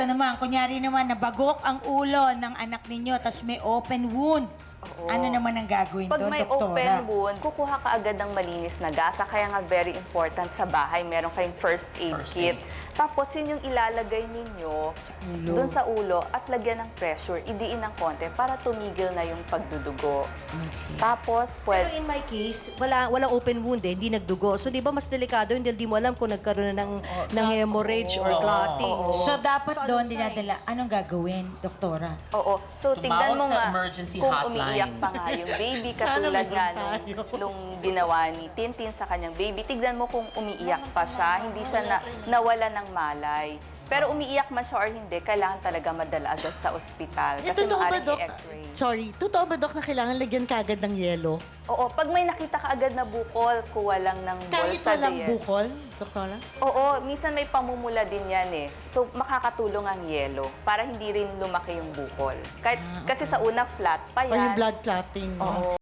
naman, kunyari naman, nabagok ang ulo ng anak ninyo, tas may open wound. Oo. Ano naman ang gagawin Pag doon, may doktora? open wound, kukuha ka agad ng malinis na gasa. Kaya nga very important sa bahay, meron kayong first aid kit. Tapos yun yung ilalagay ninyo doon sa ulo at lagyan ng pressure, idiin ng konti para tumigil na yung pagdudugo. Tapos, Pero in my case, walang open wound eh, hindi nagdugo. So di ba mas delikado yun dahil di mo alam kung nagkaroon na ng hemorrhage or clotting. So, dapat So, doon anong dinadala. signs? Anong gagawin, doktora? Oo. So, tignan mo sa nga emergency kung hotline. umiiyak pa nga yung baby, Sana katulad meron nga tayo. nung ginawa ni Tintin sa kanyang baby. Tignan mo kung umiiyak pa siya, hindi siya nawala ng malay. Pero umiiyak man siya or hindi, kailangan talaga madala agad sa ospital. Kasi Totoo ba, maaaring Dok? i-x-ray. Sorry, totoo ba, Dok, na kailangan lagyan kagad ng yelo? Oo, pag may nakita ka agad na bukol, kuha lang ng Kahit bolsa walang diyan. bukol, Doktora? Oo, minsan may pamumula din yan eh. So, makakatulong ang yelo para hindi rin lumaki yung bukol. Kahit, kasi sa una, flat pa Or yan. yung blood clotting. Oo.